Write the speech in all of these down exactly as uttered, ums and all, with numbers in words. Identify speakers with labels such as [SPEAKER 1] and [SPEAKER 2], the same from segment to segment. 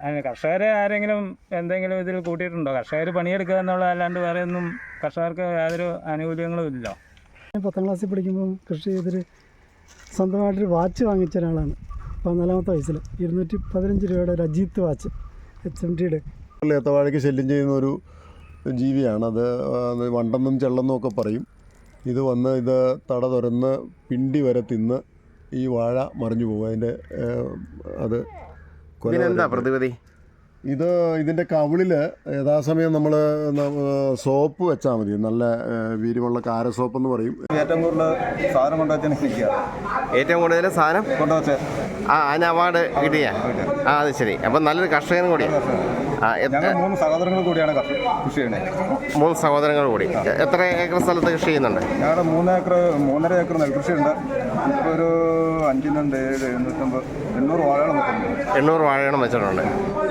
[SPEAKER 1] കർഷകരെ ആരെങ്കിലും എന്തെങ്കിലും ഇതിൽ കൂട്ടിയിട്ടുണ്ടോ? കർഷകർ പണിയെടുക്കുക എന്നുള്ള അല്ലാണ്ട് വേറെ ഒന്നും കർഷകർക്ക് യാതൊരു ആനുകൂല്യങ്ങളും ഇല്ലല്ലോ.
[SPEAKER 2] പത്താം ക്ലാസ്സിൽ പഠിക്കുമ്പോൾ കൃഷി ചെയ്തൊരു സ്വന്തമായിട്ടൊരു വാച്ച് വാങ്ങിച്ച ഒരാളാണ്. പതിനാലാമത്തെ വയസ്സിൽ ഇരുന്നൂറ്റി പതിനഞ്ച് രൂപയുടെ ഒരു അജീത്ത് വാച്ച് എച്ച് എം ടിയുടെ.
[SPEAKER 3] ഏത്തവാഴയ്ക്ക് ശല്യം ചെയ്യുന്ന ഒരു ജീവിയാണ് അത്. അത് വണ്ടെന്നും ചെള്ളെന്നും ഒക്കെ പറയും. ഇത് വന്ന് ഇത് തട തുറന്ന് പിണ്ടി വരെ തിന്ന് ഈ വാഴ മറിഞ്ഞു പോകും. അതിൻ്റെ അത്
[SPEAKER 4] എന്താ പ്രതിവിധി?
[SPEAKER 3] ഇത് ഇതിൻ്റെ കവിളിൽ യഥാസമയം നമ്മൾ സോപ്പ് വെച്ചാൽ മതി. നല്ല വീര്യമുള്ള കാര സോപ്പ് എന്ന് പറയും.
[SPEAKER 5] ഏറ്റവും കൂടുതൽ സാധനം കൊണ്ടുവച്ചാൽ
[SPEAKER 4] ഏറ്റവും കൂടുതൽ സാധനം
[SPEAKER 5] കൊണ്ടുവച്ച്
[SPEAKER 4] ആ അതിന് അവാർഡ് കിട്ടിയ ആ അത് ശരി. അപ്പം നല്ലൊരു കർഷകനും കൂടിയാണ്. ആ
[SPEAKER 5] ഞങ്ങൾ മൂന്ന് സഹോദരങ്ങൾ കൂടിയാണ് കൃഷി ചെയ്യുന്നത്.
[SPEAKER 4] മൂന്ന് സഹോദരങ്ങൾ കൂടി. എത്ര ഏക്കർ സ്ഥലത്ത് കൃഷി ചെയ്യുന്നുണ്ട്?
[SPEAKER 5] ഞങ്ങളുടെ മൂന്ന് ഏക്കർ മൂന്നര ഏക്കർ നെൽകൃഷിയുണ്ട്. ഇപ്പോൾ ഒരു അഞ്ചിനുണ്ട് ഏഴ് എണ്ണൂറ്റമ്പത് എണ്ണൂറ് വാഴകൾ വെക്കുന്നുണ്ട്.
[SPEAKER 4] എണ്ണൂറ് വാഴകളും വെച്ചിട്ടുണ്ട്.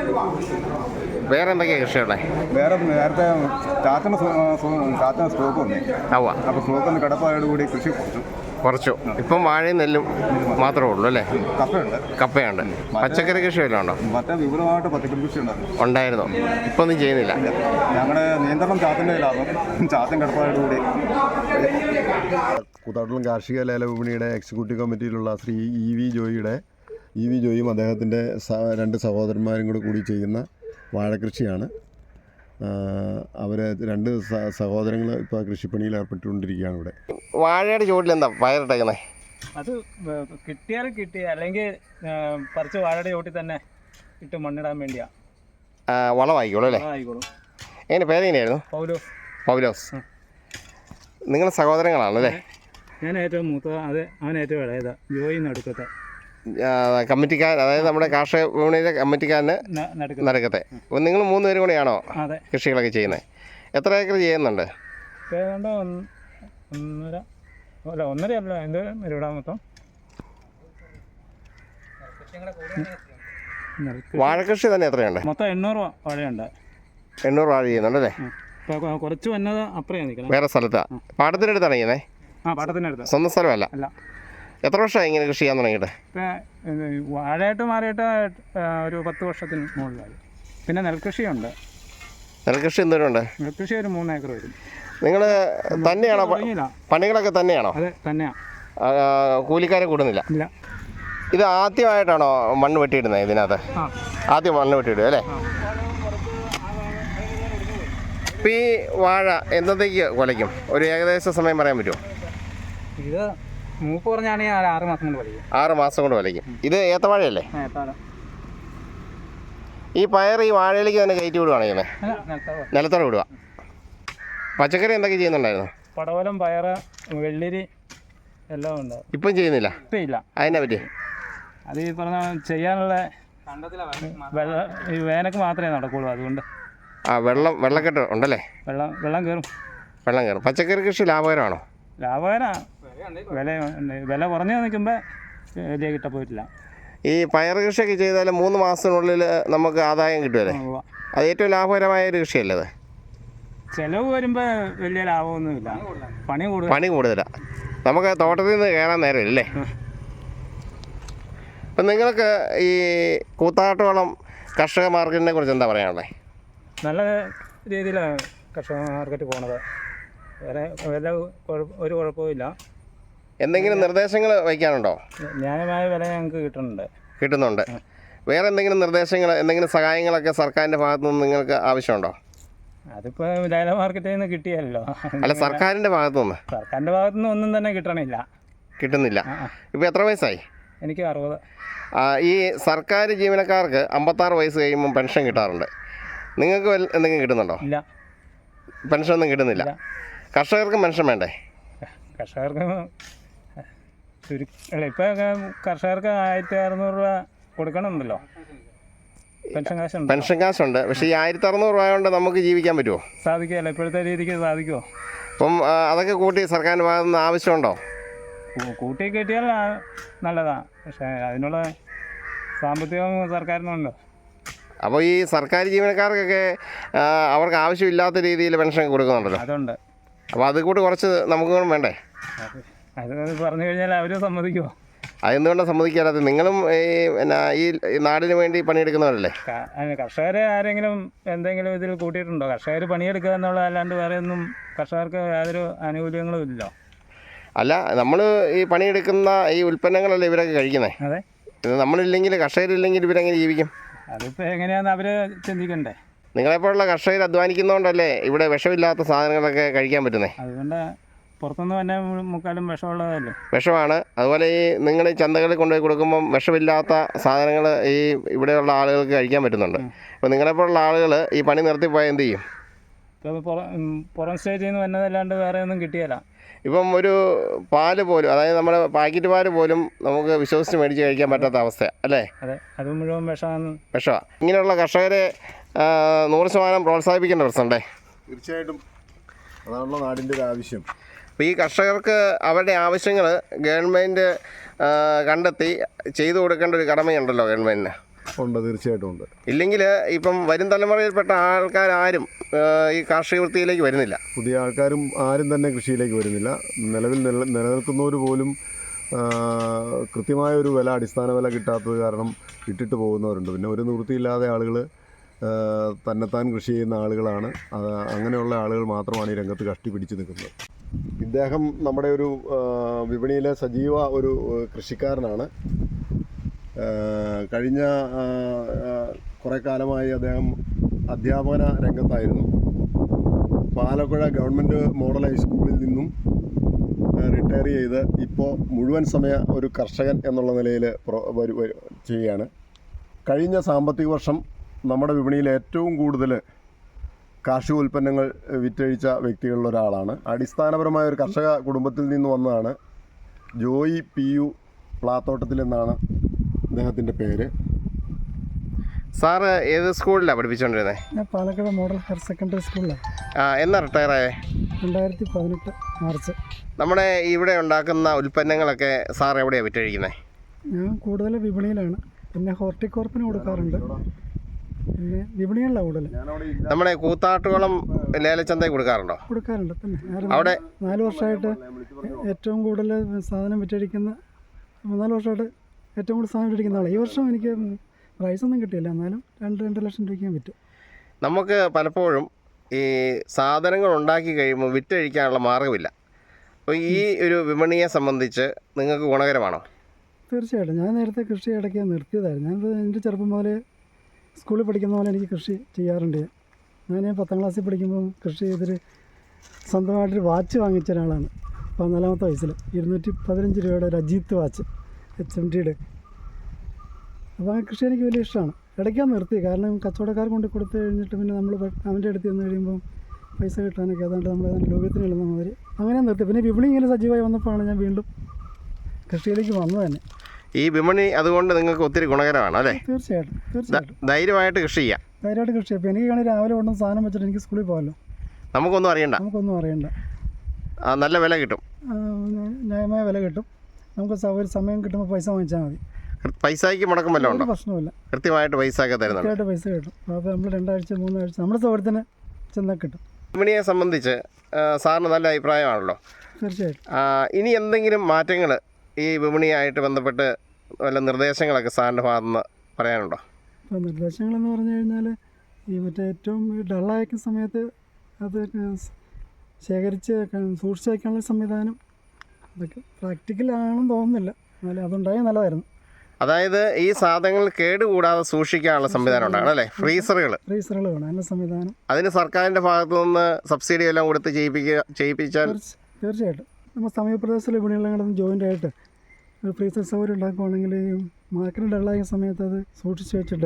[SPEAKER 4] വേറെ എന്തൊക്കെയാണ് കൃഷിയുള്ളത്?
[SPEAKER 5] വേറെ നേരത്തെ ചാച്ചന് ചാച്ചന് സ്റ്റോക്ക് വന്നു.
[SPEAKER 4] ആവാ.
[SPEAKER 5] അപ്പോൾ സ്റ്റോക്കൊന്ന് കിടപ്പായോടുകൂടി കൃഷി കുറച്ചു
[SPEAKER 4] കുറച്ചു ഇപ്പം വാഴയും നെല്ലും മാത്രമേ ഉള്ളൂ അല്ലേ?
[SPEAKER 5] കപ്പയുണ്ട്.
[SPEAKER 4] കപ്പയുണ്ട്. പച്ചക്കറി കൃഷി വല്ലതും ഉണ്ടോ?
[SPEAKER 5] മറ്റേ വിപുലമായിട്ട് പച്ചക്കറി കൃഷി ഉണ്ടായിരുന്നു.
[SPEAKER 4] ഉണ്ടായിരുന്നു. ഇപ്പം ഒന്നും ചെയ്യുന്നില്ല.
[SPEAKER 5] ഞങ്ങളുടെ നിയന്ത്രണം ചാത്തിൻ്റെ കയ്യിലാകും. ചാത്തൻ കിടപ്പായോടുകൂടി.
[SPEAKER 3] കൂത്താട്ടുളം കാർഷിക ലേല വിപണിയുടെ എക്സിക്യൂട്ടീവ് കമ്മിറ്റിയിലുള്ള ശ്രീ ഇ വി ജോയിയുടെ ഇ വി ജോയിയും അദ്ദേഹത്തിൻ്റെ രണ്ട് സഹോദരന്മാരും കൂടെ കൂടി ചെയ്യുന്ന വാഴക്കൃഷിയാണ്. അവർ രണ്ട് സഹോദരങ്ങൾ ഇപ്പോൾ കൃഷിപ്പണിയിൽ ഏർപ്പെട്ടുകൊണ്ടിരിക്കുകയാണ് ഇവിടെ.
[SPEAKER 4] വാഴയുടെ ചുവട്ടിൽ എന്താ പയറിട്ടേക്കുന്നത്?
[SPEAKER 1] അത് കിട്ടിയാൽ കിട്ടി, അല്ലെങ്കിൽ പറിച്ച് വാഴയുടെ ചുവട്ടിൽ തന്നെ ഇട്ട് മണ്ണിടാൻ വേണ്ടിയാ.
[SPEAKER 4] വളമായിക്കോളൂ അല്ലേ?
[SPEAKER 1] ആയിക്കോളും.
[SPEAKER 4] എങ്ങനെ പേരെങ്ങനെയായിരുന്നു?
[SPEAKER 1] പൗലോസ്.
[SPEAKER 4] പൗലോസ്. നിങ്ങൾ സഹോദരങ്ങളാണല്ലേ?
[SPEAKER 1] ഞാൻ ഏറ്റവും മൂത്ത, അത് അവൻ ഏറ്റവും ഇളയതാ. ജോയി നടുക്കത്തെ
[SPEAKER 4] കമ്മിറ്റിക്കാരൻ, അതായത് നമ്മുടെ കാർഷിക വിപണിയിലെ കമ്മിറ്റിക്കാരന് നടുക്കത്തെ. അപ്പം നിങ്ങൾ മൂന്ന് പേരും കൂടെയാണോ കൃഷികളൊക്കെ ചെയ്യുന്നത്? എത്ര ഏക്കർ ചെയ്യുന്നുണ്ട്?
[SPEAKER 1] ഒന്നര അല്ല ഒന്നര അല്ല എന്ത് ഇവിടെ മൊത്തം.
[SPEAKER 4] വാഴക്കൃഷി തന്നെ എത്രയുണ്ട്?
[SPEAKER 1] മൊത്തം എണ്ണൂറ് വാഴയുണ്ട്.
[SPEAKER 4] എണ്ണൂറ് വാഴ ചെയ്യുന്നുണ്ടല്ലേ?
[SPEAKER 1] കുറച്ച് വന്നത് അപ്പുറം നിൽക്കണം.
[SPEAKER 4] വേറെ സ്ഥലത്താണ്? പാടത്തിനടുത്താണ് ചെയ്യുന്നത്?
[SPEAKER 1] ആ പാടത്തിനടുത്ത്.
[SPEAKER 4] സ്വന്തം സ്ഥലമല്ല?
[SPEAKER 1] അല്ല.
[SPEAKER 4] എത്ര വർഷമായി ഇങ്ങനെ കൃഷി ചെയ്യാൻ തുടങ്ങിയിട്ട്?
[SPEAKER 1] ഇപ്പം വാഴയായിട്ട് മാറിയിട്ട് ഒരു പത്ത് വർഷത്തിന് മുകളിലായി. പിന്നെ നെൽകൃഷിയുണ്ട്.
[SPEAKER 4] നെൽകൃഷി എന്തോരം ഉണ്ട്?
[SPEAKER 1] നെൽകൃഷി ഒരു മൂന്ന് ഏക്കർ വരും.
[SPEAKER 4] നിങ്ങൾ തന്നെയാണോ പണികളൊക്കെ തന്നെയാണോ?
[SPEAKER 1] അതെ തന്നെയാണ്.
[SPEAKER 4] കൂലിക്കാരെ കൂടുന്നില്ല?
[SPEAKER 1] ഇല്ല.
[SPEAKER 4] ഇത് ആദ്യമായിട്ടാണോ മണ്ണ് വെട്ടിയിടുന്നത് ഇതിനകത്ത്? ആദ്യം മണ്ണ് വെട്ടിയിടുക അല്ലേ? ഇപ്പം ഈ വാഴ എന്നത്തേക്ക് കൊലയ്ക്കും? ഒരു ഏകദേശ സമയം പറയാൻ പറ്റുമോ?
[SPEAKER 1] ഇത് മൂപ്പ് പറഞ്ഞാണെങ്കിൽ ആറ് മാസം കൊണ്ട് വലിക്കും.
[SPEAKER 4] ആറ് മാസം കൊണ്ട് വലിക്കും. ഇത് ഏത്തവാഴയല്ലേ? ഈ പയർ ഈ വാഴയിലേക്ക് തന്നെ കയറ്റി വിടുവാണ് ചെയ്യുന്നത്? നിലത്തോടെ വിടുക. പച്ചക്കറി എന്തൊക്കെ ചെയ്യുന്നുണ്ടായിരുന്നു?
[SPEAKER 1] പടവലം, പയറ്, വെള്ളിരി എല്ലാം ഉണ്ട്.
[SPEAKER 4] ഇപ്പം ചെയ്യുന്നില്ല?
[SPEAKER 1] ഇപ്പം ഇല്ല.
[SPEAKER 4] അതിനെ പറ്റി
[SPEAKER 1] അത് ഈ പറഞ്ഞ ചെയ്യാനുള്ള വെള്ളം ഈ വേനക്ക് മാത്രമേ നടക്കുള്ളൂ. അതുകൊണ്ട്
[SPEAKER 4] ആ വെള്ളം വെള്ളക്കെട്ട് ഉണ്ടല്ലേ?
[SPEAKER 1] വെള്ളം വെള്ളം കയറും.
[SPEAKER 4] വെള്ളം കയറും. പച്ചക്കറി കൃഷി ലാഭകരമാണോ?
[SPEAKER 1] ലാഭകരമാണ്. വില വില കുറഞ്ഞ് നിൽക്കുമ്പോൾ വലിയ കിട്ട പോയിട്ടില്ല.
[SPEAKER 4] ഈ പയർ കൃഷിയൊക്കെ ചെയ്താൽ മൂന്ന് മാസത്തിനുള്ളിൽ നമുക്ക് ആദായം കിട്ടുമല്ലേ? അത് ഏറ്റവും ലാഭകരമായ ഒരു കൃഷിയല്ലേ അത്?
[SPEAKER 1] ചിലവ് വരുമ്പോൾ വലിയ ലാഭമൊന്നുമില്ല. പണി കൂടുതൽ
[SPEAKER 4] പണി കൂടുതലാണ്. നമുക്ക് തോട്ടത്തിൽ നിന്ന് കയറാൻ നേരമില്ലല്ലേ? അപ്പം നിങ്ങൾക്ക് ഈ കൂത്താട്ടോളം കർഷക മാർക്കറ്റിനെ കുറിച്ച് എന്താ പറയാനുള്ളത്?
[SPEAKER 1] നല്ല രീതിയിലാണ് കർഷക മാർക്കറ്റ് പോണത്. വേറെ വില ഒരു കുഴപ്പമില്ല.
[SPEAKER 4] എന്തെങ്കിലും നിർദ്ദേശങ്ങൾ വയ്ക്കാനുണ്ടോ?
[SPEAKER 1] ന്യായമായ വില ഞങ്ങൾക്ക് കിട്ടുന്നുണ്ട്.
[SPEAKER 4] കിട്ടുന്നുണ്ട്. വേറെ എന്തെങ്കിലും നിർദ്ദേശങ്ങൾ, എന്തെങ്കിലും സഹായങ്ങളൊക്കെ സർക്കാരിൻ്റെ ഭാഗത്തു നിന്ന് നിങ്ങൾക്ക് ആവശ്യമുണ്ടോ?
[SPEAKER 1] അതിപ്പോൾ ലേല മാർക്കറ്റിൽ നിന്ന് കിട്ടിയല്ലോ.
[SPEAKER 4] അല്ല, സർക്കാരിൻ്റെ ഭാഗത്തു നിന്ന്?
[SPEAKER 1] സർക്കാരിൻ്റെ ഭാഗത്തു നിന്ന് ഒന്നും തന്നെ കിട്ടണില്ല.
[SPEAKER 4] കിട്ടുന്നില്ല. ഇപ്പോൾ എത്ര വയസ്സായി?
[SPEAKER 1] എനിക്ക് അറുപത്.
[SPEAKER 4] ഈ സർക്കാർ ജീവനക്കാർക്ക് അമ്പത്താറ് വയസ്സ് കഴിയുമ്പോൾ പെൻഷൻ കിട്ടാറുണ്ട്. നിങ്ങൾക്ക് എന്തെങ്കിലും കിട്ടുന്നുണ്ടോ?
[SPEAKER 1] ഇല്ല.
[SPEAKER 4] പെൻഷൻ ഒന്നും കിട്ടുന്നില്ല. കർഷകർക്ക് പെൻഷൻ വേണ്ടേ?
[SPEAKER 1] കർഷകർക്ക് ചുരുക്കം ഇപ്പം കർഷകർക്ക് ആയിരത്തി അറുന്നൂറ് രൂപ കൊടുക്കണമെന്നല്ലോ. പെൻഷൻ കാശുണ്ട്.
[SPEAKER 4] പെൻഷൻ കാശുണ്ട്. പക്ഷേ ഈ ആയിരത്തി അറുന്നൂറ് രൂപ കൊണ്ട് നമുക്ക് ജീവിക്കാൻ പറ്റുമോ?
[SPEAKER 1] സാധിക്കുമല്ലോ. ഇപ്പോഴത്തെ രീതിക്ക് സാധിക്കുമോ?
[SPEAKER 4] അപ്പം അതൊക്കെ കൂട്ടി സർക്കാരിൻ്റെ ഭാഗത്തു നിന്ന് ആവശ്യമുണ്ടോ?
[SPEAKER 1] കൂട്ടി കിട്ടിയാൽ നല്ലതാണ്. പക്ഷേ അതിനുള്ള സാമ്പത്തികം സർക്കാരിനുണ്ട്.
[SPEAKER 4] അപ്പോൾ ഈ സർക്കാർ ജീവനക്കാർക്കൊക്കെ അവർക്ക് ആവശ്യമില്ലാത്ത രീതിയിൽ പെൻഷൻ കൊടുക്കുന്നുണ്ടല്ലോ.
[SPEAKER 1] അതുണ്ട്.
[SPEAKER 4] അപ്പോൾ അത് കൂടി കുറച്ച് നമുക്ക് വേണ്ടേ?
[SPEAKER 1] അത് പറഞ്ഞു കഴിഞ്ഞാൽ അവർ സമ്മതിക്കുമോ?
[SPEAKER 4] അതെന്തുകൊണ്ടാണ് സമ്മതിക്കാത്തത്? നിങ്ങളും ഈ പിന്നെ ഈ ഈ നാടിന് വേണ്ടി പണിയെടുക്കുന്നവരല്ലേ?
[SPEAKER 1] ക- അതിന് കർഷകരെ ആരെങ്കിലും എന്തെങ്കിലും ഇതിൽ കൂട്ടിയിട്ടുണ്ടോ? കർഷകർ പണിയെടുക്കുക എന്നുള്ളതല്ലാണ്ട് വേറെ ഒന്നും കർഷകർക്ക് യാതൊരു ആനുകൂല്യങ്ങളും ഇല്ലല്ലോ.
[SPEAKER 4] അല്ല, നമ്മൾ ഈ പണിയെടുക്കുന്ന ഈ ഉൽപ്പന്നങ്ങളല്ലേ ഇവരൊക്കെ കഴിക്കുന്നത്.
[SPEAKER 1] അതെ,
[SPEAKER 4] ഇത് നമ്മളില്ലെങ്കിൽ കർഷകരില്ലെങ്കിൽ ഇവരെങ്ങനെ ജീവിക്കും?
[SPEAKER 1] അതിപ്പോൾ എങ്ങനെയാണെന്ന് അവർ ചിന്തിക്കണ്ടേ.
[SPEAKER 4] നിങ്ങളെപ്പോലുള്ള കർഷകർ അധ്വാനിക്കുന്നതുകൊണ്ടല്ലേ ഇവിടെ വിഷമില്ലാത്ത സാധനങ്ങളൊക്കെ കഴിക്കാൻ പറ്റുന്നത്.
[SPEAKER 1] അതുകൊണ്ട് പുറത്തുനിന്ന് തന്നെ മു- മുക്കാലും വിഷമുള്ളതല്ലേ.
[SPEAKER 4] വിഷമാണ്. അതുപോലെ ഈ നിങ്ങൾ ഈ ചന്തകളിൽ കൊണ്ടുപോയി കൊടുക്കുമ്പം വിഷമില്ലാത്ത സാധനങ്ങൾ ഈ ഇവിടെയുള്ള ആളുകൾക്ക് കഴിക്കാൻ പറ്റുന്നുണ്ട്. അപ്പോൾ നിങ്ങളെപ്പോലുള്ള ആളുകൾ ഈ പണി നിർത്തിപ്പോയാൽ എന്ത് ചെയ്യും?
[SPEAKER 1] ഇപ്പോൾ പുറം ഉം, പുറം സ്റ്റേജിൽ നിന്ന് വന്നതല്ലാണ്ട് വേറെ ഒന്നും കിട്ടിയല്ല.
[SPEAKER 4] ഇപ്പം ഒരു പാല് പോലും, അതായത് നമ്മുടെ പാക്കറ്റ് പാല് പോലും നമുക്ക് വിശ്വസിച്ച് മേടിച്ച് കഴിക്കാൻ പറ്റാത്ത അവസ്ഥയാണ് അല്ലേ?
[SPEAKER 1] അതെ, അത് മുഴുവൻ വിഷമാണ്.
[SPEAKER 4] വിഷമാണ്. ഇങ്ങനെയുള്ള കർഷകരെ ആ, നൂറ് ശതമാനം പ്രോത്സാഹിപ്പിക്കേണ്ട പ്രശ്നമുണ്ടേ.
[SPEAKER 3] തീർച്ചയായിട്ടും അതാണല്ലോ നാടിൻ്റെ ഒരു ആവശ്യം.
[SPEAKER 4] അപ്പോൾ ഈ കർഷകർക്ക് അവരുടെ ആവശ്യങ്ങൾ ഗവൺമെൻറ് കണ്ടെത്തി ചെയ്തു കൊടുക്കേണ്ട ഒരു കടമയുണ്ടല്ലോ ഗവൺമെൻറ്റിന്.
[SPEAKER 3] ഉണ്ട്, തീർച്ചയായിട്ടും ഉണ്ട്.
[SPEAKER 4] ഇല്ലെങ്കിൽ ഇപ്പം വരും തലമുറയിൽപ്പെട്ട ആൾക്കാരും ആ, ഈ കാർഷിക വൃത്തിയിലേക്ക് വരുന്നില്ല.
[SPEAKER 3] പുതിയ ആൾക്കാരും ആരും തന്നെ കൃഷിയിലേക്ക് വരുന്നില്ല. നിലവിൽ നില നിലനിൽക്കുന്നവർ പോലും ആ, കൃത്യമായ ഒരു വില, അടിസ്ഥാന വില കിട്ടാത്തത് കാരണം ഇട്ടിട്ട് പോകുന്നവരുണ്ട്. പിന്നെ ഒരു നിവൃത്തിയില്ലാതെ ആളുകൾ തന്നെത്താൻ കൃഷി ചെയ്യുന്ന ആളുകളാണ്. അത് അങ്ങനെയുള്ള ആളുകൾ മാത്രമാണ് ഈ രംഗത്ത് കഷ്ടിപിടിച്ച് നിൽക്കുന്നത്. ഇദ്ദേഹം നമ്മുടെ ഒരു ആ, വിപണിയിലെ സജീവ ഒരു ആ, കൃഷിക്കാരനാണ്. ആ, കഴിഞ്ഞ ആ, ആ, കുറേ കാലമായി അദ്ദേഹം അധ്യാപന രംഗത്തായിരുന്നു. പാലക്കുഴ ഗവൺമെൻറ് മോഡൽ ഹൈസ്കൂളിൽ നിന്നും റിട്ടയർ ചെയ്ത് ഇപ്പോൾ മുഴുവൻ സമയ ഒരു കർഷകൻ എന്നുള്ള നിലയിൽ ചെയ്യുകയാണ്. കഴിഞ്ഞ സാമ്പത്തിക വർഷം നമ്മുടെ വിപണിയിൽ ഏറ്റവും കൂടുതൽ കാർഷിക ഉൽപ്പന്നങ്ങൾ വിറ്റഴിച്ച വ്യക്തികളിൽ ഒരാളാണ്. അടിസ്ഥാനപരമായ ഒരു കർഷക കുടുംബത്തിൽ നിന്ന് വന്നതാണ്. ജോയി പി യു പ്ലാത്തോട്ടത്തിൽ എന്നാണ് അദ്ദേഹത്തിൻ്റെ പേര്.
[SPEAKER 4] സാറ് ഏത് സ്കൂളിലാണ് പഠിപ്പിച്ചുകൊണ്ടിരുന്നത്?
[SPEAKER 2] ഞാൻ പാലക്കാട് മോഡൽ ഹയർ സെക്കൻഡറി സ്കൂളിലാണ്.
[SPEAKER 4] ആ, എന്നാ റിട്ടയറായേ?
[SPEAKER 2] രണ്ടായിരത്തി പതിനെട്ട് മാർച്ച്.
[SPEAKER 4] നമ്മുടെ ഇവിടെ ഉണ്ടാക്കുന്ന ഉൽപ്പന്നങ്ങളൊക്കെ സാർ എവിടെയാണ് വിറ്റഴിക്കുന്നത്?
[SPEAKER 2] ഞാൻ കൂടുതൽ വിപണിയിലാണ്. പിന്നെ ഹോർട്ടിക്കോർപ്പിന് കൊടുക്കാറുണ്ട്. പിന്നെ വിപണികളിലാണ് കൂടുതൽ.
[SPEAKER 4] നമ്മുടെ കൂത്താട്ടുകുളം ലേലച്ചന്തയിൽ കൊടുക്കാറുണ്ടോ?
[SPEAKER 2] കൊടുക്കാറുണ്ട്. പിന്നെ ഞാൻ
[SPEAKER 4] അവിടെ
[SPEAKER 2] നാല് വർഷമായിട്ട് ഏറ്റവും കൂടുതൽ സാധനം വിറ്റഴിക്കുന്ന മൂന്നാല് വർഷമായിട്ട് ഏറ്റവും കൂടുതൽ സാധനം വിറ്റഴിക്കുന്ന ആളാണ്. ഈ വർഷം എനിക്ക് പ്രൈസൊന്നും കിട്ടിയില്ല, എന്നാലും രണ്ട് രണ്ട് ലക്ഷം രൂപയ്ക്ക് ഞാൻ വിറ്റു.
[SPEAKER 4] നമുക്ക് പലപ്പോഴും ഈ സാധനങ്ങൾ ഉണ്ടാക്കി കഴിയുമ്പോൾ വിറ്റഴിക്കാനുള്ള മാർഗ്ഗമില്ല. അപ്പോൾ ഈ ഒരു വിപണിയെ സംബന്ധിച്ച് നിങ്ങൾക്ക് ഗുണകരമാണോ?
[SPEAKER 2] തീർച്ചയായിട്ടും. ഞാൻ നേരത്തെ കൃഷി ഇടയ്ക്ക് നിർത്തിയതായിരുന്നു. ഞാൻ എൻ്റെ ചെറുപ്പം മുതലേ സ്കൂളിൽ പഠിക്കുന്ന പോലെ എനിക്ക് കൃഷി ചെയ്യാറുണ്ട്. ഞാൻ പത്താം ക്ലാസ്സിൽ പഠിക്കുമ്പോൾ കൃഷി ചെയ്തൊരു സ്വന്തമായിട്ടൊരു വാച്ച് വാങ്ങിച്ച ഒരാളാണ്. പതിനാലാമത്തെ വയസ്സിൽ ഇരുന്നൂറ്റി പതിനഞ്ച് രൂപയുടെ ഒരു അജീത്ത് വാച്ച്, എച്ച് എം ടിയുടെ. അപ്പോൾ ആ കൃഷി എനിക്ക് വലിയ ഇഷ്ടമാണ്. ഇടയ്ക്കാൻ നിർത്തി, കാരണം കച്ചവടക്കാർ കൊണ്ട് കൊടുത്തു കഴിഞ്ഞിട്ട് പിന്നെ നമ്മൾ അവൻ്റെ അടുത്ത് ചെന്ന് കഴിയുമ്പം പൈസ കിട്ടാനൊക്കെ ഏതാണ്ട് നമ്മൾ ഏതാണ്ട് ലോകത്തിന് എഴുതുന്ന മാതിരി അങ്ങനെ നിർത്തി. പിന്നെ വിപണി ഇങ്ങനെ സജീവമായി വന്നപ്പോഴാണ് ഞാൻ വീണ്ടും കൃഷിയിലേക്ക് വന്നത് തന്നെ.
[SPEAKER 4] ഈ വിപണി അതുകൊണ്ട് നിങ്ങൾക്ക് ഒത്തിരി ഗുണകരമാണ് അല്ലേ?
[SPEAKER 2] തീർച്ചയായിട്ടും തീർച്ചയായിട്ടും
[SPEAKER 4] ധൈര്യമായിട്ട് കൃഷി ചെയ്യാം.
[SPEAKER 2] ധൈര്യമായിട്ട് കൃഷി ചെയ്യാം. ഇപ്പോൾ എനിക്ക് വേണമെങ്കിൽ രാവിലെ കൊണ്ടുവന്ന് സാധനം വെച്ചിട്ട് എനിക്ക് സ്കൂളിൽ പോകാമല്ലോ.
[SPEAKER 4] നമുക്കൊന്നും അറിയണ്ട,
[SPEAKER 2] നമുക്കൊന്നും അറിയണ്ട.
[SPEAKER 4] ആ, നല്ല വില കിട്ടും,
[SPEAKER 2] ആ, ന്യായമായ വില കിട്ടും. നമുക്ക് സൗകര്യം സമയം കിട്ടുമ്പോൾ പൈസ വാങ്ങിച്ചാൽ മതി.
[SPEAKER 4] പൈസയ്ക്ക് മുടക്കം വല്ലതും ഉണ്ടോ?
[SPEAKER 2] ഒരു പ്രശ്നമില്ല,
[SPEAKER 4] കൃത്യമായിട്ട് പൈസ ഒക്കെ തരുന്നുണ്ട്.
[SPEAKER 2] കൃത്യമായിട്ട് പൈസ കിട്ടും. അപ്പോൾ നമ്മൾ രണ്ടാഴ്ച മൂന്നാഴ്ച നമ്മുടെ സൗകര്യത്തിന് ചെന്നാൽ കിട്ടും.
[SPEAKER 4] വിപണിയെ സംബന്ധിച്ച് ആ, സാറിന് നല്ല അഭിപ്രായമാണല്ലോ.
[SPEAKER 2] തീർച്ചയായിട്ടും.
[SPEAKER 4] ആ, ഇനി എന്തെങ്കിലും മാറ്റങ്ങൾ ഈ വിപണിയായിട്ട് ബന്ധപ്പെട്ട് വല്ല നിർദ്ദേശങ്ങളൊക്കെ സാറിൻ്റെ ഭാഗത്തുനിന്ന് പറയാനുണ്ടോ?
[SPEAKER 2] ഇപ്പോൾ നിർദ്ദേശങ്ങളെന്ന് പറഞ്ഞു കഴിഞ്ഞാൽ ഈ മറ്റേ ഏറ്റവും ഡള്ളായിരിക്കുന്ന സമയത്ത് അത് ശേഖരിച്ച് സൂക്ഷിച്ച് വയ്ക്കാനുള്ള സംവിധാനം അതൊക്കെ പ്രാക്ടിക്കലാണെന്ന് തോന്നുന്നില്ല, എന്നാലും അതുണ്ടായാൽ നല്ലതായിരുന്നു.
[SPEAKER 4] അതായത് ഈ സാധനങ്ങൾ കേടുകൂടാതെ സൂക്ഷിക്കാനുള്ള സംവിധാനം ഉണ്ടാകണം അല്ലേ? ഫ്രീസറുകൾ
[SPEAKER 2] ഫ്രീസറുകൾ വേണം, അതിൻ്റെ സംവിധാനം.
[SPEAKER 4] അതിന് സർക്കാരിൻ്റെ ഭാഗത്തു നിന്ന് സബ്സിഡി എല്ലാം കൊടുത്ത് ചെയ്യിപ്പിക്കുക ചെയ്യിപ്പിച്ചാൽ
[SPEAKER 2] തീർച്ചയായിട്ടും നമ്മൾ സമീപപ്രദേശത്തിലെ വിപണികളെങ്കിലും ജോയിൻ്റ് ആയിട്ട് ഒരു ഫ്രീസർ സൗകര്യം ഉണ്ടാക്കുവാണെങ്കിൽ ഈ മാർക്കറ്റ് ഡള്ളായ സമയത്ത് അത് സൂക്ഷിച്ച് വെച്ചിട്ട്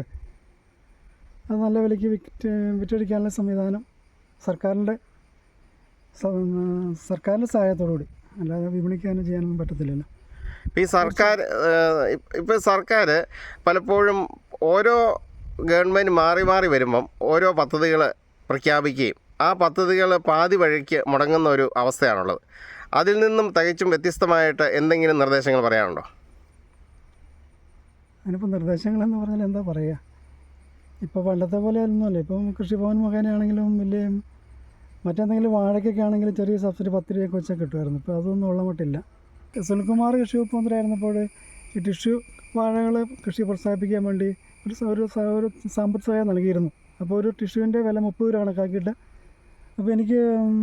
[SPEAKER 2] അത് നല്ല വിലയ്ക്ക് വിറ്റ് വിറ്റഴിക്കാനുള്ള സംവിധാനം സർക്കാരിൻ്റെ സർക്കാരിൻ്റെ സഹായത്തോടുകൂടി, അല്ലാതെ വിപണിക്ക് തന്നെ ചെയ്യാനൊന്നും പറ്റത്തില്ലല്ലോ.
[SPEAKER 4] ഈ സർക്കാർ ഇപ്പോൾ സർക്കാർ പലപ്പോഴും ഓരോ ഗവൺമെൻറ് മാറി മാറി വരുമ്പം ഓരോ പദ്ധതികൾ പ്രഖ്യാപിക്കുകയും ആ പദ്ധതികൾ പാതി വഴിക്ക് മുടങ്ങുന്ന ഒരു അവസ്ഥയാണുള്ളത്. അതിൽ നിന്നും തികച്ചും വ്യത്യസ്തമായിട്ട് എന്തെങ്കിലും നിർദ്ദേശങ്ങൾ പറയാനുണ്ടോ?
[SPEAKER 2] അതിനിപ്പോൾ നിർദ്ദേശങ്ങളെന്ന് പറഞ്ഞാൽ എന്താ പറയുക, ഇപ്പോൾ പണ്ടത്തെ പോലെ ഒന്നുമല്ല. ഇപ്പം കൃഷിഭവൻ മുഖേനയാണെങ്കിലും വലിയ മറ്റെന്തെങ്കിലും വാഴയ്ക്കൊക്കെ ആണെങ്കിലും ചെറിയ സബ്സിഡി പത്ത് രൂപയൊക്കെ വെച്ചാൽ കിട്ടുമായിരുന്നു. ഇപ്പോൾ അതൊന്നും ഉള്ള മട്ടില്ല. സുനിൽകുമാർ കൃഷി വകുപ്പ് മന്ത്രിയായിരുന്നപ്പോൾ ഈ ടിഷ്യൂ വാഴകൾ കൃഷി പ്രോത്സാഹിപ്പിക്കാൻ വേണ്ടി ഒരു സ- ഒരു സ- ഒരു സാമ്പത്തിക സഹായം നൽകിയിരുന്നു. അപ്പോൾ ഒരു ടിഷ്യൂവിൻ്റെ വില മുപ്പത് രൂപ കണക്കാക്കിയിട്ട് അപ്പോൾ എനിക്ക് ഉം,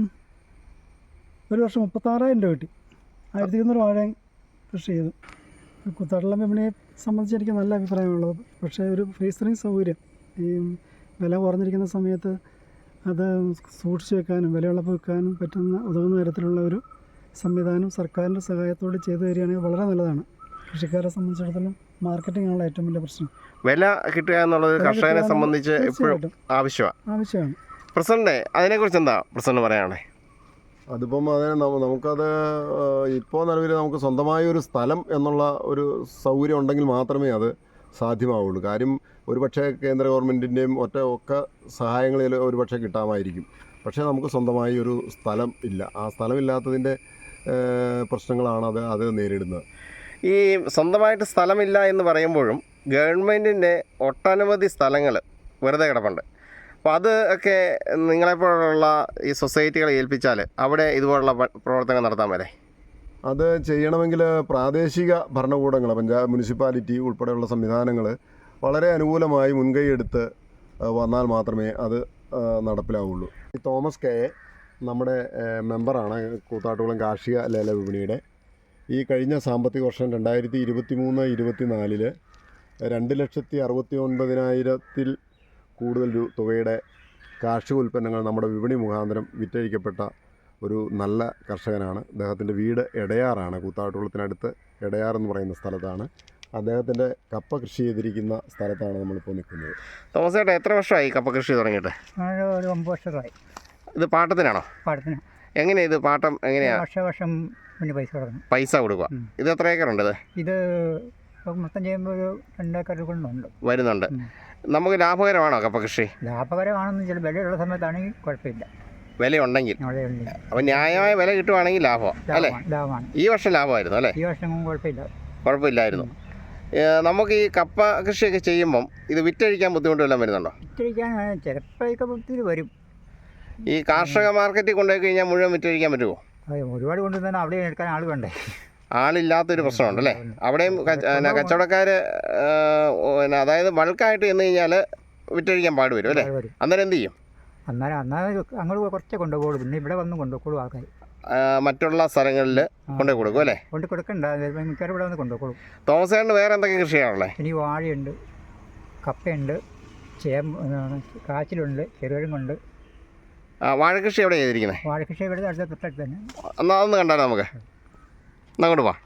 [SPEAKER 2] ഒരു വർഷം മുപ്പത്താറായിരം രൂപ കിട്ടി. ആയിരത്തി ഇരുന്നൂറ് വാഴ കൃഷി ചെയ്തു. കൂത്താട്ടുള്ള വിപണിയെ സംബന്ധിച്ച് എനിക്ക് നല്ല അഭിപ്രായമുള്ളത്. പക്ഷേ ഒരു ഫ്രീസറിങ് സൗകര്യം ഈ വില കുറഞ്ഞിരിക്കുന്ന സമയത്ത് അത് സൂക്ഷിച്ച് വെക്കാനും വിലയുള്ളപ്പോൾ വെക്കാനും പറ്റുന്ന ഉതകുന്ന തരത്തിലുള്ള ഒരു സംവിധാനം സർക്കാരിൻ്റെ സഹായത്തോടെ ചെയ്തു തരികയാണെങ്കിൽ വളരെ നല്ലതാണ്. കൃഷിക്കാരെ സംബന്ധിച്ചിടത്തോളം മാർക്കറ്റിംഗ് ആണല്ലോ ഏറ്റവും വലിയ പ്രശ്നം.
[SPEAKER 4] വില കിട്ടുക എന്നുള്ളത്
[SPEAKER 2] വില
[SPEAKER 4] കർഷകനെ
[SPEAKER 2] കിട്ടുക
[SPEAKER 4] സംബന്ധിച്ച് എപ്പോഴും
[SPEAKER 2] തീർച്ചയായിട്ടും
[SPEAKER 4] ആവശ്യമാണ്.
[SPEAKER 2] ആവശ്യമാണ്.
[SPEAKER 4] പ്രസിഡന്റ്, അതിനെക്കുറിച്ച് എന്താ പ്രസിഡന്റ് പറയാണേ?
[SPEAKER 3] അതിപ്പം അതിന് നമ്മ- നമുക്കത് ഇപ്പോൾ നിലവിൽ നമുക്ക് സ്വന്തമായ ഒരു സ്ഥലം എന്നുള്ള ഒരു സൗകര്യം ഉണ്ടെങ്കിൽ മാത്രമേ അത് സാധ്യമാവുള്ളൂ. കാര്യം ഒരുപക്ഷെ കേന്ദ്ര ഗവൺമെൻറ്റിൻ്റെയും ഒറ്റ ഒക്കെ സഹായങ്ങളിൽ ഒരുപക്ഷെ കിട്ടാമായിരിക്കും. പക്ഷേ നമുക്ക് സ്വന്തമായി ഒരു സ്ഥലം ഇല്ല. ആ സ്ഥലമില്ലാത്തതിൻ്റെ പ്രശ്നങ്ങളാണ് അത് അത് നേരിടുന്നത്.
[SPEAKER 4] ഈ സ്വന്തമായിട്ട് സ്ഥലമില്ല എന്ന് പറയുമ്പോഴും ഗവൺമെൻറ്റിൻ്റെ ഒട്ടനവധി സ്ഥലങ്ങൾ വെറുതെ കിടപ്പുണ്ട്. അപ്പോൾ അത് ഒക്കെ നിങ്ങളെപ്പോലുള്ള ഈ സൊസൈറ്റികളെ ഏൽപ്പിച്ചാൽ അവിടെ ഇതുപോലുള്ള പ- പ്രവർത്തനങ്ങൾ നടത്താൻ വരെ
[SPEAKER 3] അത് ചെയ്യണമെങ്കിൽ പ്രാദേശിക ഭരണകൂടങ്ങൾ, പഞ്ചായത്ത്, മുനിസിപ്പാലിറ്റി ഉൾപ്പെടെയുള്ള സംവിധാനങ്ങൾ വളരെ അനുകൂലമായി മുൻകൈ എടുത്ത് ആ, വന്നാൽ മാത്രമേ അത് ആ, നടപ്പിലാവുള്ളൂ. ഈ തോമസ് കെ നമ്മുടെ ആ, മെമ്പറാണ് കൂത്താട്ടുകുളം കാർഷിക ലേല വിപണിയുടെ. ഈ കഴിഞ്ഞ സാമ്പത്തിക വർഷം രണ്ടായിരത്തി ഇരുപത്തി മൂന്ന് ഇരുപത്തി നാലില് രണ്ട് ലക്ഷത്തി അറുപത്തി ഒൻപതിനായിരത്തിൽ കൂടുതൽ രൂ തുകയുടെ കാർഷിക ഉൽപ്പന്നങ്ങൾ നമ്മുടെ വിപണി മുഖാന്തരം വിറ്റഴിക്കപ്പെട്ട ഒരു നല്ല കർഷകനാണ്. അദ്ദേഹത്തിൻ്റെ വീട് എടയാറാണ്, കൂത്താട്ടുകുളത്തിനടുത്ത് എടയാർ എന്ന് പറയുന്ന സ്ഥലത്താണ്. അദ്ദേഹത്തിൻ്റെ കപ്പ കൃഷി ചെയ്തിരിക്കുന്ന സ്ഥലത്താണ് നമ്മളിപ്പോൾ നിൽക്കുന്നത്.
[SPEAKER 4] തോമസ് ചേട്ടാ, എത്ര വർഷമായി കപ്പ കൃഷി തുടങ്ങിയിട്ട്?
[SPEAKER 6] ഒരു ഒമ്പത് വർഷമായി
[SPEAKER 4] ഇത് പാട്ടത്തിനാണോ?
[SPEAKER 6] പാടത്തിന്.
[SPEAKER 4] എങ്ങനെയാണ് ഇത് പാട്ടം എങ്ങനെയാണ്?
[SPEAKER 6] വർഷ വർഷം പിന്നെ പൈസ കൊടുക്കണം.
[SPEAKER 4] പൈസ കൊടുക്കുക. ഇത് എത്ര ഏക്കറുണ്ട്? ഇത്
[SPEAKER 6] ഇത് ഇപ്പം മൊത്തം ചെയ്യുമ്പോൾ ഒരു രണ്ടേക്കർ കൊണ്ടുണ്ട്
[SPEAKER 4] വരുന്നുണ്ട്. നമുക്ക് ലാഭകരമാണോ കപ്പ കൃഷി?
[SPEAKER 6] ലാഭകരമാണെന്ന് ചില വിലയുള്ള സമയത്താണെങ്കിൽ കുഴപ്പമില്ല.
[SPEAKER 4] വിലയുണ്ടെങ്കിൽ
[SPEAKER 6] അവിടെ ഉണ്ട്
[SPEAKER 4] അപ്പം ന്യായമായ വില കിട്ടുവാണെങ്കിൽ ലാഭം അല്ലേ?
[SPEAKER 6] ലാഭമാണ് ലാഭമാണ്
[SPEAKER 4] ഈ വർഷം ലാഭമായിരുന്നു അല്ലേ?
[SPEAKER 6] ഈ വർഷം കുഴപ്പമില്ല.
[SPEAKER 4] കുഴപ്പമില്ലായിരുന്നു. ഏ, നമുക്ക് ഈ കപ്പ കൃഷിയൊക്കെ ചെയ്യുമ്പം ഇത് വിറ്റഴിക്കാൻ ബുദ്ധിമുട്ട് വല്ലതും വരുന്നുണ്ടോ?
[SPEAKER 6] വിറ്റഴിക്കാൻ ചിലപ്പോഴൊക്കെ ഒത്തിരി വരും.
[SPEAKER 4] ഈ കാർഷിക മാർക്കറ്റിൽ കൊണ്ടുപോയി കഴിഞ്ഞാൽ മുഴുവൻ വിറ്റഴിക്കാൻ പറ്റുമോ?
[SPEAKER 6] അത് ഒരുപാട് കൊണ്ടുവന്നാൽ അവിടെ എടുക്കാൻ ആൾ വേണ്ടേ?
[SPEAKER 4] ആളില്ലാത്തൊരു പ്രശ്നമുണ്ടല്ലേ? അവിടെയും കച്ചവടക്കാർ അതായത് ബൾക്കായിട്ട് ചെന്ന് കഴിഞ്ഞാൽ വിറ്റഴിക്കാൻ പാട് വരും അല്ലേ?
[SPEAKER 6] വരും.
[SPEAKER 4] അന്നേരം എന്ത് ചെയ്യും?
[SPEAKER 6] അന്നേരം അന്നേരം അങ്ങോട്ട് കുറച്ചേ കൊണ്ടുപോകുള്ളൂ. പിന്നെ ഇവിടെ വന്ന് കൊണ്ടുപോകുള്ളൂ ആൾക്കാർ.
[SPEAKER 4] ആ, മറ്റുള്ള സ്ഥലങ്ങളിൽ കൊണ്ടുപോയി കൊടുക്കും അല്ലേ?
[SPEAKER 6] കൊണ്ട് കൊടുക്കണ്ട, മിക്കവാറും ഇവിടെ വന്ന് കൊണ്ടുപോകുള്ളൂ.
[SPEAKER 4] തോമസ് ചേട്ടന് വേറെ എന്തൊക്കെ കൃഷിയാണുള്ളത്?
[SPEAKER 6] ഇനി വാഴയുണ്ട്, കപ്പയുണ്ട്, ചേമ്പ്, കാച്ചിലുണ്ട്, ചെറുകിഴങ്ങുണ്ട്.
[SPEAKER 4] ആ, വാഴക്കൃഷി എവിടെ ചെയ്തിരിക്കുന്നത്?
[SPEAKER 6] വാഴകൃഷി ഇവിടെ അടുത്ത തൊട്ടടുത്ത് തന്നെ.
[SPEAKER 4] എന്നാൽ അതൊന്ന് കണ്ടാലോ നമുക്ക്? എന്നാ അങ്ങോട്ട് പോവാം.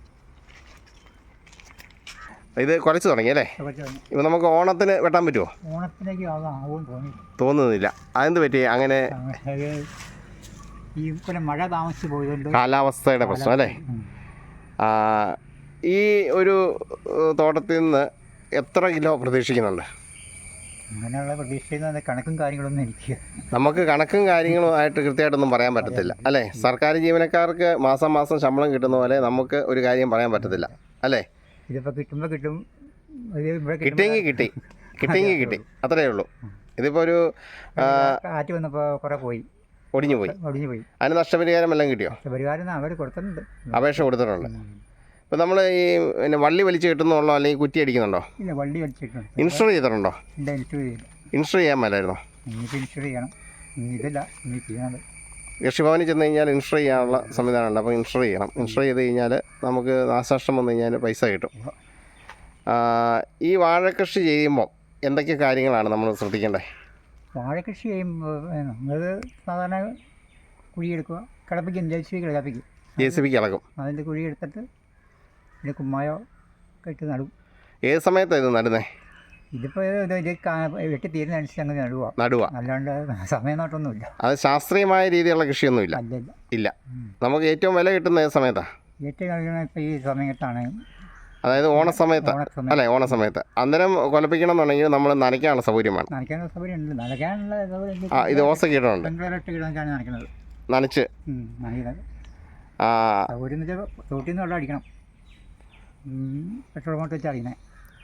[SPEAKER 4] ഇത് കുറച്ച് തുടങ്ങി അല്ലേ? ഇപ്പം നമുക്ക് ഓണത്തിന് വെട്ടാൻ പറ്റുമോ?
[SPEAKER 6] ഓണത്തിലേക്ക് ആകുമെന്ന് തോന്നി
[SPEAKER 4] തോന്നുന്നില്ല. അതെന്ത് പറ്റി അങ്ങനെ?
[SPEAKER 6] അത് ഈ പോലെ മഴ താമസിച്ച് പോയതുകൊണ്ട്
[SPEAKER 4] കാലാവസ്ഥയുടെ പ്രശ്നം അല്ലേ?
[SPEAKER 6] ഉം.
[SPEAKER 4] ആ, ഈ ഒരു ഏഹ്, തോട്ടത്തിൽ നിന്ന് എത്ര കിലോ പ്രതീക്ഷിക്കുന്നുണ്ട്?
[SPEAKER 6] അങ്ങനെയുള്ള പ്രതീക്ഷിക്കുന്ന കണക്കും കാര്യങ്ങളൊന്നും എനിക്ക്
[SPEAKER 4] നമുക്ക് കണക്കും കാര്യങ്ങളും ആയിട്ട് കൃത്യമായിട്ടൊന്നും പറയാൻ പറ്റത്തില്ല അല്ലേ? സർക്കാർ ജീവനക്കാർക്ക് മാസം മാസം ശമ്പളം കിട്ടുന്ന പോലെ നമുക്ക് ഒരു കാര്യം പറയാൻ പറ്റത്തില്ല അല്ലേ?
[SPEAKER 6] ഇതിപ്പോൾ കിട്ടുമ്പോൾ കിട്ടും. ഇത് ഇവിടെ
[SPEAKER 4] കിട്ടിയെങ്കിൽ കിട്ടി, കിട്ടിയെങ്കിൽ കിട്ടി, അത്രയേ ഉള്ളൂ. ഇതിപ്പോൾ ഒരു ആ,
[SPEAKER 6] കാറ്റ് വന്നപ്പോൾ കുറേ പോയി,
[SPEAKER 4] ഒടിഞ്ഞു പോയി.
[SPEAKER 6] ഒടിഞ്ഞു പോയി.
[SPEAKER 4] അതിന് നഷ്ടപരിഹാരം വല്ലതും കിട്ടിയോ?
[SPEAKER 6] പരിഹാരം അവർ കൊടുക്കുന്നുണ്ട്.
[SPEAKER 4] അപേക്ഷ കൊടുത്തിട്ടുണ്ട്. ഇപ്പം നമ്മൾ ഈ പിന്നെ വള്ളി വലിച്ച് കിട്ടുന്നുള്ളോ അല്ലെങ്കിൽ കുറ്റി അടിക്കുന്നുണ്ടോ?
[SPEAKER 6] ഇല്ല, വള്ളി വലിച്ചിട്ടുണ്ട്.
[SPEAKER 4] ഇൻഷുർ ചെയ്തിട്ടുണ്ടോ?
[SPEAKER 6] ഇല്ല, ഇൻഷുർ ചെയ്യില്ല.
[SPEAKER 4] ഇൻഷുർ ചെയ്യാൻ മേലായിരുന്നോ?
[SPEAKER 6] ഇനിയിപ്പോൾ ഇൻഷുർ ചെയ്യണം. ഇനി ഇതില്ല, ഇനി ചെയ്യുന്നത്.
[SPEAKER 4] കൃഷിഭവനിൽ ചെന്ന് കഴിഞ്ഞാൽ ഇൻഷുർ ചെയ്യാനുള്ള സംവിധാനമുണ്ട്. അപ്പോൾ ഇൻഷുർ ചെയ്യണം. ഇൻഷുർ ചെയ്ത് കഴിഞ്ഞാൽ നമുക്ക് നാശനഷ്ടം വന്നു കഴിഞ്ഞാൽ പൈസ കിട്ടും. ആ, ഈ വാഴക്കൃഷി ചെയ്യുമ്പോൾ എന്തൊക്കെ കാര്യങ്ങളാണ് നമ്മൾ ശ്രദ്ധിക്കേണ്ടത്?
[SPEAKER 6] വാഴകൃഷി ചെയ്യുമ്പോൾ നമ്മൾ സാധാരണ കുഴിയെടുക്കുക, കിളപ്പിക്കും, ജെ സി ബി കിളപ്പിക്കും.
[SPEAKER 4] ജെ സി ബിക്ക് ഇളക്കും.
[SPEAKER 6] അതിൻ്റെ കുഴി എടുത്തിട്ട് പിന്നെ കുമ്മായോ കെട്ടി നടും.
[SPEAKER 4] ഏത് സമയത്താണ് ഇത് നടുന്നേ?
[SPEAKER 6] ഇതിപ്പോൾ ഇത് ഇത് കാ- വെട്ടി തീരുന്നതനുസരിച്ച് അങ്ങനെ നടുക.
[SPEAKER 4] നടുക.
[SPEAKER 6] അല്ലാണ്ട് സമയം നോട്ടൊന്നുമില്ല.
[SPEAKER 4] അത് ശാസ്ത്രീയമായ രീതിയിലുള്ള കൃഷിയൊന്നുമില്ല.
[SPEAKER 6] അല്ലല്ല.
[SPEAKER 4] ഇല്ല. നമുക്ക് ഏറ്റവും വില കിട്ടുന്ന ഏത് സമയത്താണ്?
[SPEAKER 6] ഏറ്റവും കഴിയണ ഇപ്പോൾ ഈ സമയത്താണ്.
[SPEAKER 4] അതായത് ഓണസമയത്ത്
[SPEAKER 6] ഓണസമയം.
[SPEAKER 4] അല്ലേ? ഓണസമയത്ത് അന്നേരം കൊലപ്പിക്കണം എന്നുണ്ടെങ്കിൽ നമ്മൾ നനയ്ക്കാനുള്ള സൗകര്യം വേണം.
[SPEAKER 6] നനയ്ക്കാനുള്ള സൗകര്യം ഉണ്ട്. നനയ്ക്കാനുള്ള സൗകര്യം
[SPEAKER 4] ആ, ഇത് ഓസ കീടമുണ്ട്.
[SPEAKER 6] പെൺപിള്ളേരിട്ട് കിടന്നിട്ടാണ് നനയ്ക്കുന്നത്.
[SPEAKER 4] നനച്ച്
[SPEAKER 6] നനയ്ക്കുന്നത്
[SPEAKER 4] ആ,
[SPEAKER 6] സൗകര്യം എന്ന് വെച്ചാൽ തോട്ടിൽ നിന്ന് വെള്ളം അടിക്കണം. പെട്രോൾ മോട്ട് വെച്ച് അറിയണേ.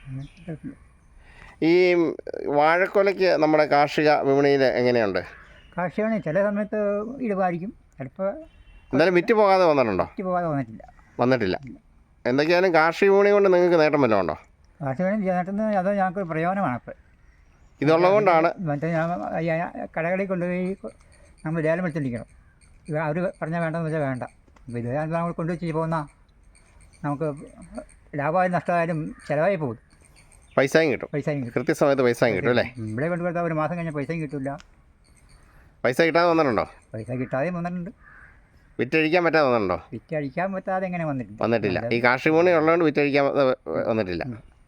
[SPEAKER 4] ഈ വാഴക്കൊലയ്ക്ക് നമ്മുടെ കാർഷിക വിപണിയിൽ എങ്ങനെയുണ്ട്?
[SPEAKER 6] കാർഷികമാണ് ചില സമയത്ത് ഇടിവായിരിക്കും, ചിലപ്പോൾ
[SPEAKER 4] എന്തായാലും വിറ്റ് പോകാതെ വന്നിട്ടുണ്ടോ?
[SPEAKER 6] വിറ്റ് പോകാതെ വന്നിട്ടില്ല.
[SPEAKER 4] വന്നിട്ടില്ല. എന്തൊക്കെയായാലും കാർഷിക വിപണി കൊണ്ട് നിങ്ങൾക്ക് നേട്ടം വല്ലതും ഉണ്ടോ?
[SPEAKER 6] കാർഷികം ചേട്ടന് അത് ഞങ്ങൾക്ക് പ്രയോജനമാണ് ഇപ്പോൾ.
[SPEAKER 4] ഇതുള്ളത് കൊണ്ടാണ്
[SPEAKER 6] മറ്റേ ഞാൻ ഈ കടകളിൽ കൊണ്ടുപോയി നമ്മൾ ലേലം വെച്ചിരിക്കണം. ഇത് അവർ പറഞ്ഞാൽ വേണ്ടെന്ന് വെച്ചാൽ വേണ്ട. അപ്പോൾ ഇത് നമ്മൾ കൊണ്ടുവച്ച് പോകുന്ന നമുക്ക് ലാഭമായാലും നഷ്ടമായാലും ചിലവായി പോകും.
[SPEAKER 4] പൈസയും കിട്ടും,
[SPEAKER 6] പൈസയും കിട്ടും,
[SPEAKER 4] കൃത്യസമയത്ത് പൈസയും കിട്ടും അല്ലേ?
[SPEAKER 6] ഇവിടെ കൊണ്ടുപോയി ഒരു മാസം കഴിഞ്ഞാൽ പൈസയും കിട്ടില്ല.
[SPEAKER 4] പൈസ കിട്ടാതെ വന്നിട്ടുണ്ടോ?
[SPEAKER 6] പൈസ കിട്ടാതെയും വന്നിട്ടുണ്ട്.
[SPEAKER 4] വിറ്റഴിക്കാൻ പറ്റാതെ വന്നിട്ടുണ്ടോ?
[SPEAKER 6] വിറ്റഴിക്കാൻ പറ്റാതെ എങ്ങനെ വന്നിട്ടുണ്ട്?
[SPEAKER 4] വന്നിട്ടില്ല. ഈ കാർഷിക വിപണി ഉള്ളതുകൊണ്ട് വിറ്റഴിക്കാൻ വന്നിട്ടില്ല.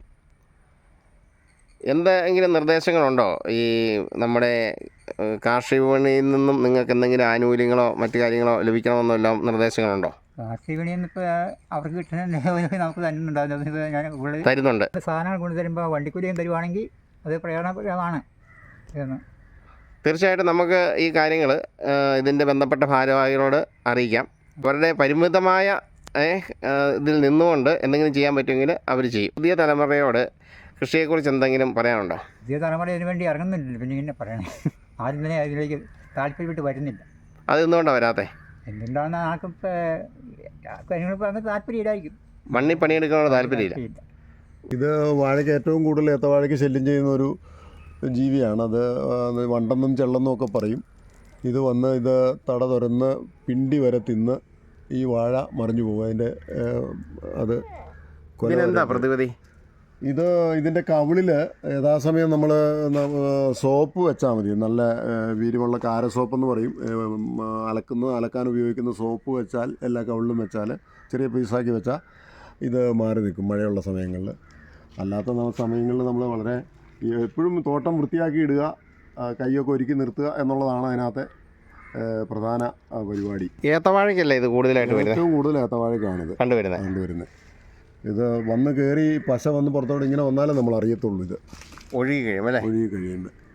[SPEAKER 4] എന്തെങ്കിലും നിർദ്ദേശങ്ങളുണ്ടോ ഈ നമ്മുടെ കാർഷിക വിപണിയിൽ നിന്നും നിങ്ങൾക്ക് എന്തെങ്കിലും ആനുകൂല്യങ്ങളോ മറ്റു കാര്യങ്ങളോ ലഭിക്കണമെന്നോ എല്ലാം നിർദ്ദേശങ്ങളുണ്ടോ?
[SPEAKER 6] കാർഷിക വിപണിയിൽ നിന്ന് ഇപ്പോൾ അവർക്ക് കിട്ടുന്ന നമുക്ക് തരുന്നുണ്ടാവില്ല. ഞാൻ ഉള്ളിൽ
[SPEAKER 4] തരുന്നുണ്ട്.
[SPEAKER 6] സാധനങ്ങൾ കൊണ്ടു തരുമ്പോൾ വണ്ടിക്കൂലിയും തരുവാണെങ്കിൽ അത് പ്രയോജനപ്രദമാണ് എന്ന്.
[SPEAKER 4] തീർച്ചയായിട്ടും നമുക്ക് ഈ കാര്യങ്ങൾ ഇതിൻ്റെ ബന്ധപ്പെട്ട ഭാരവാഹികളോട് അറിയിക്കാം. അവരുടെ പരിമിതമായ ഇതിൽ നിന്നുകൊണ്ട് എന്തെങ്കിലും ചെയ്യാൻ പറ്റുമെങ്കിൽ അവർ ചെയ്യും. പുതിയ തലമുറയോട് കൃഷിയെക്കുറിച്ച് എന്തെങ്കിലും പറയാനുണ്ടോ?
[SPEAKER 6] പുതിയ തലമുറ ഇതിനു വേണ്ടി ഇറങ്ങുന്നില്ല. പിന്നെ ഇങ്ങനെ പറയണേ, ആദ്യം തന്നെ അതിലേക്ക് താല്പര്യപ്പെട്ട് വരുന്നില്ല.
[SPEAKER 4] അത് എന്തുകൊണ്ടാണ് വരാത്തത്?
[SPEAKER 6] എന്തുകൊണ്ടാണെന്ന് ആർക്കും ഇപ്പോൾ കാര്യങ്ങളിപ്പോൾ അങ്ങനെ താല്പര്യമില്ലായിരിക്കും.
[SPEAKER 4] മണ്ണിൽ പണിയെടുക്കാനുള്ള താല്പര്യമില്ല.
[SPEAKER 3] ഇത് വാഴയ്ക്ക് ഏറ്റവും കൂടുതൽ ഏത്തവാഴയ്ക്ക് ശല്യം ചെയ്യുന്ന ഒരു ജീവിയാണ്. അത് വണ്ടെന്നും ചെള്ളെന്നും ഒക്കെ പറയും. ഇത് വന്ന് ഇത് തട തുറന്ന് പിണ്ടി വരെ തിന്ന് ഈ വാഴ മറിഞ്ഞു പോകും. അതിൻ്റെ അത്
[SPEAKER 4] ഇതിനെന്താ പ്രതിവിധി?
[SPEAKER 3] ഇത് ഇതിൻ്റെ കവിളിൽ യഥാസമയം നമ്മൾ സോപ്പ് വെച്ചാൽ മതി. നല്ല വീര്യമുള്ള കാര സോപ്പ് എന്ന് പറയും. അലക്കുന്ന അലക്കാൻ ഉപയോഗിക്കുന്ന സോപ്പ് വെച്ചാൽ എല്ലാ കവിളിലും വെച്ചാൽ ചെറിയ പീസാക്കി വെച്ചാൽ ഇത് മാറി നിൽക്കും മഴയുള്ള സമയങ്ങളിൽ. അല്ലാത്ത സമയങ്ങളിൽ നമ്മൾ വളരെ എപ്പോഴും തോട്ടം വൃത്തിയാക്കി ഇടുക, കൈയൊക്കെ ഒരുക്കി നിർത്തുക എന്നുള്ളതാണ് അതിനകത്തെ പ്രധാന പരിപാടി.
[SPEAKER 4] ഏത്തവാഴയ്ക്കല്ലേ ഇത് കൂടുതലായിട്ട് വരുന്നത്?
[SPEAKER 3] ഏറ്റവും കൂടുതൽ ഏത്തവാഴയ്ക്കാണിത്
[SPEAKER 4] കണ്ടുവരുന്നത്
[SPEAKER 3] കണ്ടുവരുന്നത് ഇത് വന്ന് കയറി പശ വന്ന് പുറത്തോട്ട് ഇങ്ങനെ വന്നാലേ നമ്മൾ അറിയത്തുള്ളൂ. ഇത്
[SPEAKER 4] ഒഴുകി കഴിയും അല്ലേ?
[SPEAKER 3] ഒഴുകി കഴിയുമ്പോൾ